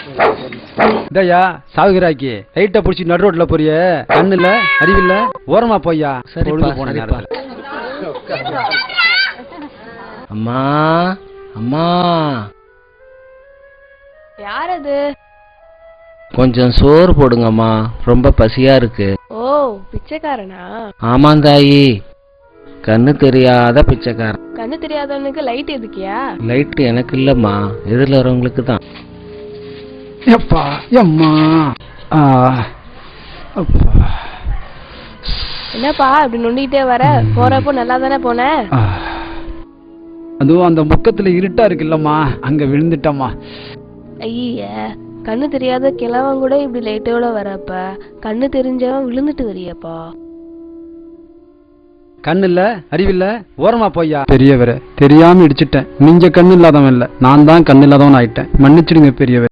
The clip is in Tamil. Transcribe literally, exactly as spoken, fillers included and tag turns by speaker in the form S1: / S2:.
S1: இதையா சாகுகிறாக்கி லைட்டை பிடிச்சி நடு ரோட்ல போறிய கண்ணு இல்ல அறிவில்ல ஓரமா போய்யா. சரி போன நேரத்துல
S2: அம்மா அம்மா
S3: யார் அது?
S2: கொஞ்சம் சோறு போடுங்கம்மா, ரொம்ப பசியா இருக்கு.
S3: ஓ பிச்சைக்காரனா?
S2: ஆமாம் தாயி, கண்ணு தெரியாத பிச்சைக்காரன்.
S3: கண்ணு தெரியாதவனுக்கு லைட் எதுக்கியா?
S2: லைட் எனக்கு இல்லம்மா, எதிரில் வரவங்களுக்கு தான்.
S1: எப்பா எம்மா
S3: என்னப்பா இப்படி நொண்டிட்டே வர? போறப்போ நல்லா தானே போன?
S1: அதுவும் அந்த முக்கத்துல இருட்டா இருக்குல்லம்மா, அங்க விழுந்துட்டம்மா.
S3: ஐய, கண்ணு தெரியாத கிழவன் கூட இப்படி லைட்டோட வரப்ப கண்ணு தெரிஞ்சவன் விழுந்துட்டு வரியப்பா.
S1: கண்ணு இல்ல அறிவில்ல ஓரமா போய்யா. பெரியவரை தெரியாம இடிச்சிட்டேன். நீங்க கண்ணு இல்லாதவன் இல்ல, நான் தான் கண்ணு இல்லாதவன் ஆயிட்டேன். மன்னிச்சிடுங்க பெரியவர்.